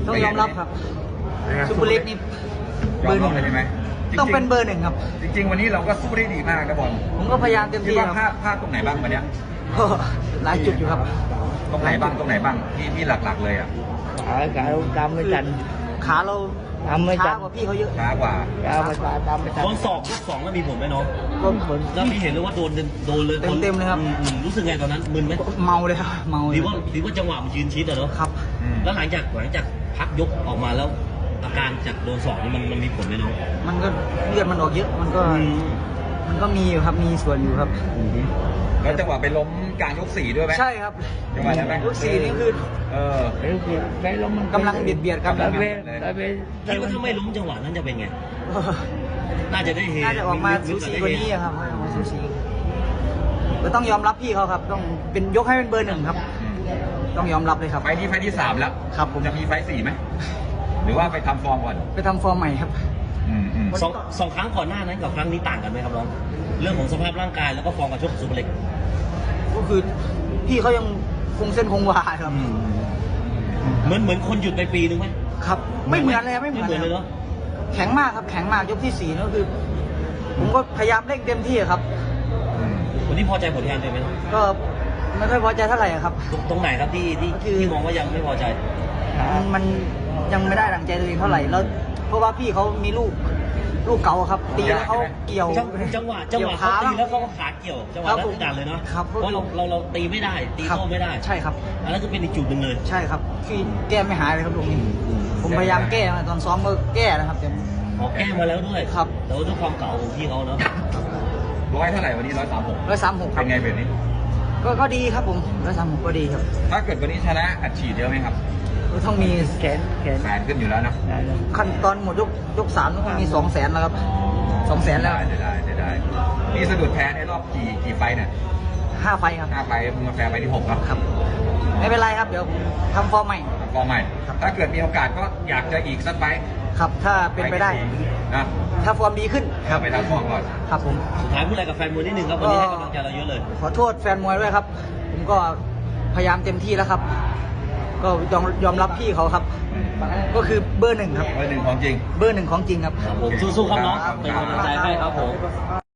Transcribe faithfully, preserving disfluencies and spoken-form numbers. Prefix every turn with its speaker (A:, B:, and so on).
A: ต้องยอมรับครับซูเปอร์เล็กนี่
B: ย
A: เบ
B: อ
A: อ
B: ม
A: ร์ห
B: รั
A: นึ่
B: บ
A: ง
B: เลยใช่ไหม
A: ต้องเป็นเบอร์หนึ่งครับ
B: จริงๆวันนี้เราก็สู้ได้ดีมากนะบอล
A: ผมก็พยายามเต็ม
B: คิด
A: ที่
B: ว่า
A: ค
B: พลา
A: รั
B: ด
A: บ
B: พลาดตรงไหนบ้างวันเนี้ย
A: ก็หลายจุดอยู่ครับ
B: ตรงไหนบ้างตรงไหนบ้างที่ที่หลักๆเลยอ่ะ
C: ขาขาเราทำไม่ทัน
A: ขาเรา
C: ทำไม่ทั
A: ช้าน กว่าพี่เขาเยอะ
B: ช้ากว่า
C: ขาไม่ทันทำไม่ทัน
D: โดนสอบยกสองแล้วมีผลไหมน้อง
A: ก็
C: ผล
D: แล้วพี่เห็นเลยว่าโดนเต็มโดนเลย
A: เต็มๆเลยครับ
D: อืมอืมรู้สึกไงตอนนั้นมึนไหม
A: เมาเลยครับเมาเล
D: ดี
A: ย
D: ว่าดีว่าจังหวะมันยืนชิดอะเนาะ
A: ครับ
B: อืม
D: แล้วหลังจากหลังจากพักยกออกมาแล้ว อาการจากโดนสอบนี่มันมันมีผลไหมน้อง
A: มันก็เลือดมันออกเยอะมันก็
D: อืม
A: มันก็มีอยู่ครับมีส่วนอยู่ครับ
B: แล้วจังหวะไปล้มกลางยกสี่ด้วยไหม
A: ใช่ครับ
B: จังหวะนั้นไหม
A: ยกสี่นี่คือ
B: เออ
C: ไปเบียดไปล้มมัน
A: กำลังเบียดเบียดกัน
C: ไปเบียดไปเบียด
D: คิดว่าถ้าไม่ล้มจังหวะนั้นจะเป็นไง น่าจะได้เฮ
A: น่าจะออกมาสูสีกว่านี้อะครับออกมาสูสีก็ต้องยอมรับพี่เขาครับ ต้องเป็นยกให้เป็นเบอร์หนึ่งครับ ต้องยอมรับเลยครับ
B: ไฟล์นี้ไฟล์ที่สามแล้ว
A: ครับผม
B: จะมีไฟล์สี่ไหมหรือว่าไปทำฟอร์มก่อน
A: ไปทำฟอร์มใหม่ครับ
B: อืมอืม
D: สองสองครั้งก่อนหน้านั้นกับครั้งนี้ต่างกันไหมครับน้อง เรื่องของสภาพร่างกายแล้วก็ฟอร์มการชกของซูเปอร์เล็ก
A: ก็คือพี่เขายังคงเส้นคงวาครับ
D: เหมือนเหมือนคนหยุดไปปีนึงไหม
A: ครับ ไม่เหมือนเลยครับไม่เหมือน
D: ไม่เหมือนเลยเนาะ
A: แข็งมากครับแข็งมากยกที่สี่นั่นก็คือ ผมก็พยายามเร่งเต็มที่ครับ
B: อืม
D: วันนี้พอใจผลงานตัวเองไหมน้อง
A: ก็ไม่ค่อยพอใจเท่าไหร่ครับ
D: ตรงตรงไหนครับที่ที่
A: คือ
D: ที่มองว่ายังไม่พอใจ
A: มันมันยังไม่ได้ดังใจตัวเองเท่าไหร่แล้ว เพราะว่าพี่เขามีลูกลูกเก่าครับ ตีแล้วเขาเกี่ยว
D: จังจังหวะจังหวะ
A: กี่ย
D: เขาตี
A: บ้ง
D: แล้วเขาก็ขาเกี่ยวจังหวะ
A: ครับ
D: นั้น
A: ผม
D: ทุกการเลยเนาะ
A: ครับ
D: เพราะเราเราเราตีไม่ได้ตี
A: ครับ
D: โต้ไม่ได้
A: ใช่ครับ
D: อันนั้นก็เป็นอีกจุดหนึ่งเลย
A: ใช่ครับคือแก้ไม่หายเลยครับลูกนี้ผมพยายามแก้มาตอนซ้อมก็แก้นะครับแต่
D: ขอแก้มาแล้วด้วย
A: ครับ
D: แต่ว่าด้วยความเก่าของพี่เขาเนาะ
B: ร้อยเท่าไหร่วันนี้ร้อยสามหก
A: ร้อยสามหกค
B: เป็
A: รับ
B: นไงแบบนี้
A: ก็ก็ดีครับผมร้อยสามหกก็ดีครับ
B: ถ้าเกิดวันนี้ชนะอัดฉีดเยอะไหมครับ
A: ก็ต้องมี
C: แขนแขน
B: แสนขึ้นอยู่แล้วนะ
C: ได้แล้ว
A: ขั้นตอนหมดยกยกสามต้องมีสองแสนแล้วครับ สองแสนแล้ว
B: ได้ได้ได้ได้นี่สะดุดแพ้ในรอบกี่กี่ไฟท์เนี่ย
A: ห้าไฟล์ครับ
B: ห้าไฟท์มึงมาแพ้ไปที่หกแล้ว
A: ครับ ไม่เป็นไรครับ เดี๋ยวผมทำฟอร์มใหม่
B: ฟอร์มใหม่
A: ครับ
B: ถ้าเกิดมีโอกาสก็อยากจะอีกสักไฟท์
A: ครับ ถ้าเป็นไปได้
B: นะ
A: ถ้าฟอร์มดีขึ้น
B: เข้าไปทำฟอร์มก่อน
A: ครับผม
D: สุดท้ายพูดอะไรกับแฟนมวยนิดนึงครับวันนี้ให้กำลังใจเราเยอะเลย
A: ขอโทษแฟนมวยด้วยครับ ผมก็พยายามเต็มที่แล้วครับ ก็ยอมยอมรับพี่เขาครับ ก็คือเบอร์หนึ่งครับ
B: เบอร์หนึ่งของจริง
A: เบอร์หนึ่งของจริงครับ
D: ครับผมสู้ๆครับน้องเป็นกำลังใจให้ครับผม